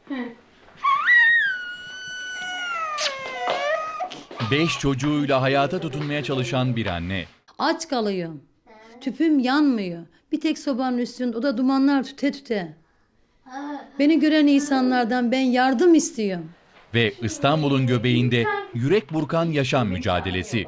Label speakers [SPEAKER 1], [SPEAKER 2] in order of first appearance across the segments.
[SPEAKER 1] Beş çocuğuyla hayata tutunmaya çalışan bir anne.
[SPEAKER 2] Aç kalıyorum. Tüpüm yanmıyor. Bir tek sobanın üstünde, o da dumanlar tüte tüte. Beni gören insanlardan ben yardım istiyorum.
[SPEAKER 1] Ve İstanbul'un göbeğinde yürek burkan yaşam mücadelesi.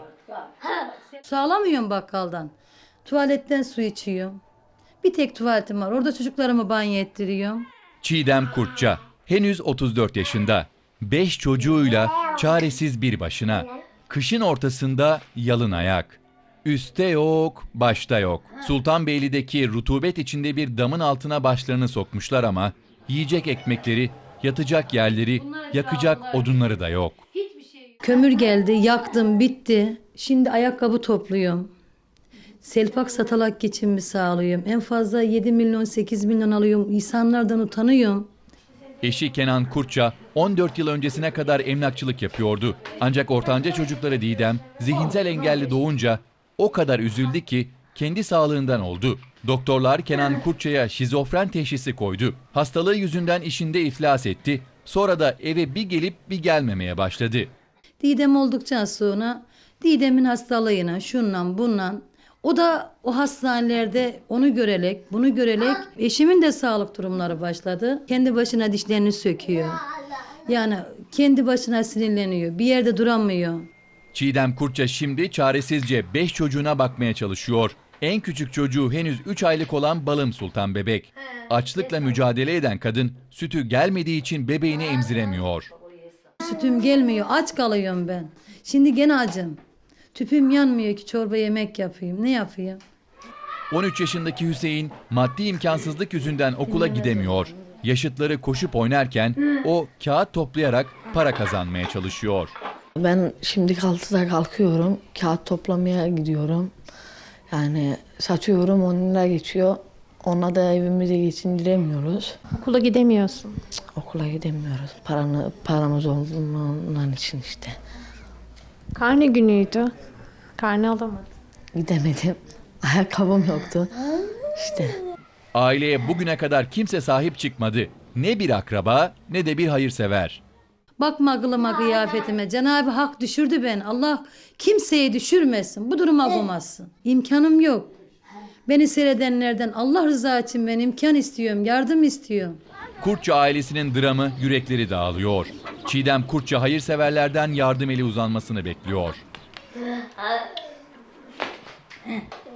[SPEAKER 2] Su alamıyorum bakkaldan. Tuvaletten su içiyorum. Bir tek tuvaletim var. Orada çocuklarımı banyo ettiriyorum.
[SPEAKER 1] Çiğdem Kurtça henüz 34 yaşında. 5 çocuğuyla çaresiz bir başına. Kışın ortasında yalın ayak. Üste yok, başta yok. Sultanbeyli'deki rutubet içinde bir damın altına başlarını sokmuşlar ama yiyecek ekmekleri, yatacak yerleri, yakacak odunları da yok.
[SPEAKER 2] Kömür geldi, yaktım, bitti. Şimdi ayakkabı topluyorum. Selpak satalak geçimimi sağlıyorum. En fazla 7 milyon, 8 milyon alıyorum. İnsanlardan utanıyorum.
[SPEAKER 1] Eşi Kenan Kurtça 14 yıl öncesine kadar emlakçılık yapıyordu. Ancak ortanca çocukları Didem zihinsel engelli doğunca o kadar üzüldü ki kendi sağlığından oldu. Doktorlar Kenan Kurtça'ya şizofren teşhisi koydu. Hastalığı yüzünden işinde iflas etti. Sonra da eve bir gelip bir gelmemeye başladı.
[SPEAKER 2] Didem oldukça sonra Didem'in hastalığına, şundan bundan. O da o hastanelerde onu görerek, bunu görerek eşimin de sağlık durumları başladı. Kendi başına dişlerini söküyor. Yani kendi başına sinirleniyor. Bir yerde duramıyor.
[SPEAKER 1] Çiğdem Kurtça şimdi çaresizce 5 çocuğuna bakmaya çalışıyor. En küçük çocuğu henüz 3 aylık olan Balım Sultan bebek. Açlıkla mücadele eden kadın sütü gelmediği için bebeğini emziremiyor.
[SPEAKER 2] Sütüm gelmiyor, aç kalıyorum ben. Şimdi gene acım. Tüpüm yanmıyor ki çorba yemek yapayım. Ne yapayım?
[SPEAKER 1] 13 yaşındaki Hüseyin maddi imkansızlık yüzünden okula gidemiyor. Yaşıtları koşup oynarken o kağıt toplayarak para kazanmaya çalışıyor.
[SPEAKER 3] Ben şimdi 6'da kalkıyorum, kağıt toplamaya gidiyorum. Yani satıyorum, 10 lira geçiyor. Ona da evimizi geçindiremiyoruz.
[SPEAKER 4] Okula gidemiyorsun.
[SPEAKER 3] Okula gidemiyoruz. Paramız olduğundan için işte.
[SPEAKER 4] Karne günüydü. Karne alamadın.
[SPEAKER 3] Gidemedim. Ayakkabım yoktu. İşte.
[SPEAKER 1] Aileye bugüne kadar kimse sahip çıkmadı. Ne bir akraba ne de bir hayırsever.
[SPEAKER 2] Bakma kılıma kıyafetime. Cenab-ı Hak düşürdü beni. Allah kimseyi düşürmesin. Bu duruma koymasın. İmkanım yok. Beni seyredenlerden Allah rızası için ben imkan istiyorum. Yardım istiyorum.
[SPEAKER 1] Kurtça ailesinin dramı yürekleri dağılıyor. Çiğdem Kurtça hayırseverlerden yardım eli uzanmasını bekliyor.